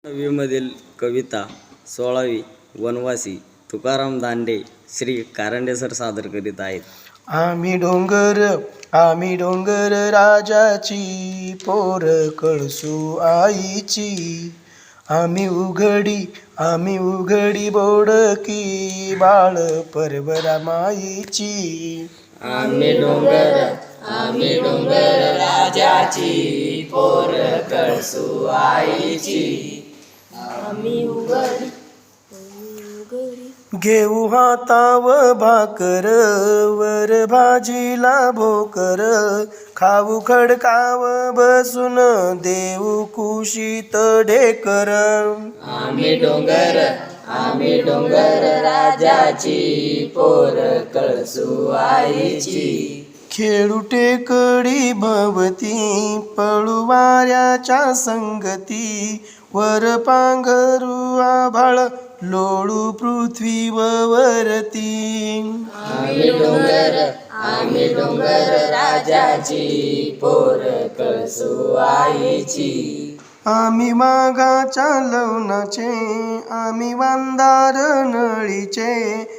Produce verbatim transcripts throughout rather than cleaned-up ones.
नववीमधील कविता सोळावी वनवासी तुकाराम दांडे श्री कारंडे सर सादर करीत आहेत. आम्ही डोंगर आम्ही डोंगर राजाची पोर कळसू आईची. आम्ही उघडी आम्ही उघडी बोडकी बाळ परवरा माईची. आम्ही डोंगर आम्ही डोंगर राजाची पोर कळसू आईची. आम्ही उघडी घेऊ हाताव भाकर वर भाजीला भोकर. खाऊ खडकाव बसून देऊ कुशीत ढेकर. आम्ही डोंगर आम्ही डोंगर राजाची पोर कळसू आईची. खेळू टेकडी भवती पळू वाऱ्याच्या संगती. वर पांघरू आभाळ लोळू पृथ्वीवरती. आम्ही डोंगर आम्ही डोंगर राजाची पोर कळसू आईची. आम्ही मागाच्या लवणाचे आम्ही वांदार नळीचे.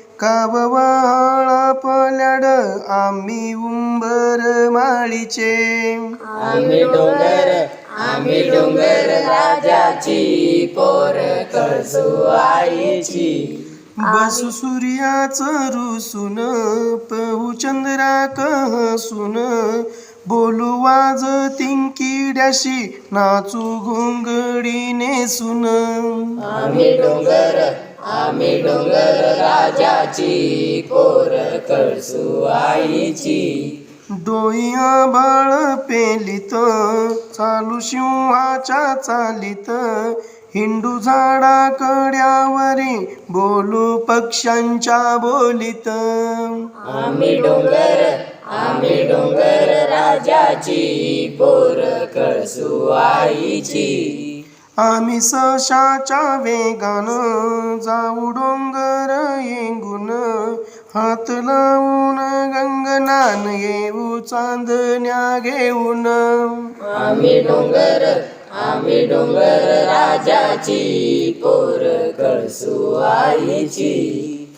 काववाळा पल्याड आम्ही उंबर माळीचे. आम्ही डोंगर आम्ही डोंगर राजाची पोर कळसू आईची. बसू सूर्याचं रुसून पहू चंद्राक हसून. बोलू वाज तिंकिड्याशी नाचू घोंगडी नेसून. आम्ही डोंगर आम्ही डोंगर राजाची पोर कळसू आईची. डोई आभाळ पेलीत चालू सिंहाच्या चालीत. हिंडू झाडा कड्यावरी बोलू पक्ष्यांच्या बोलीत. आम्ही डोंगर आम्ही डोंगर राजाची पोर कळसू आईची. आम्ही सशाच्या वेगानं जाऊ डोंगर येंगून. हात लावून गंगनान येऊ चांदण्या घेऊन. आम्ही डोंगर आम्ही डोंगर राजाची पोर कळसू आईची.